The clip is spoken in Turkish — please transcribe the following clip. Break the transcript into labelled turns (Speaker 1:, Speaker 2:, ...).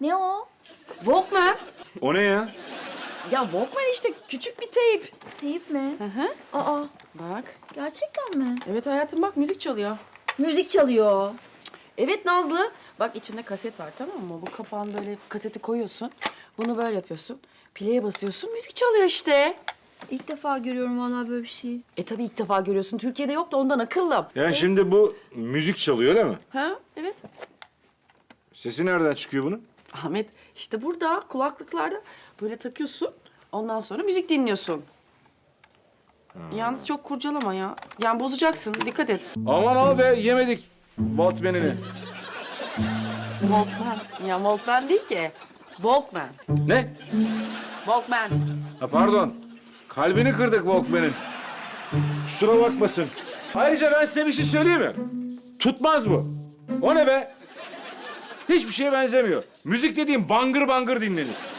Speaker 1: Ne o?
Speaker 2: Walkman.
Speaker 3: O ne ya?
Speaker 2: Ya Walkman işte küçük bir teyp.
Speaker 1: Teyip mi?
Speaker 2: Hı hı.
Speaker 1: Aa,
Speaker 2: Bak.
Speaker 1: gerçekten mi?
Speaker 2: Evet hayatım bak müzik çalıyor.
Speaker 1: Müzik çalıyor.
Speaker 2: Evet Nazlı. Bak içinde kaset var tamam mı? Bu kapağını böyle kaseti koyuyorsun. Bunu böyle yapıyorsun. Play'e basıyorsun müzik çalıyor işte.
Speaker 1: İlk defa görüyorum vallahi böyle bir şey.
Speaker 2: Tabii ilk defa görüyorsun. Türkiye'de yok da ondan akıllım.
Speaker 3: Yani şimdi bu müzik çalıyor öyle mi?
Speaker 2: Ha evet.
Speaker 3: Sesi nereden çıkıyor bunun?
Speaker 2: Ahmet işte burada kulaklıklarda böyle takıyorsun. Ondan sonra müzik dinliyorsun. Yalnız çok kurcalama ya. Yani bozacaksın. Dikkat et.
Speaker 3: Aman al be yemedik Walkman'ini.
Speaker 2: Walkman. Ya Walkman değil ki. Walkman.
Speaker 3: Ne?
Speaker 2: Walkman.
Speaker 3: Ha pardon. Kalbini kırdık Walkman'in. Kusura bakmasın. Ayrıca ben size bir şey söyleyeyim mi? Tutmaz bu. O ne be? Hiçbir şeye benzemiyor. Müzik dediğim bangır bangır dinlenir.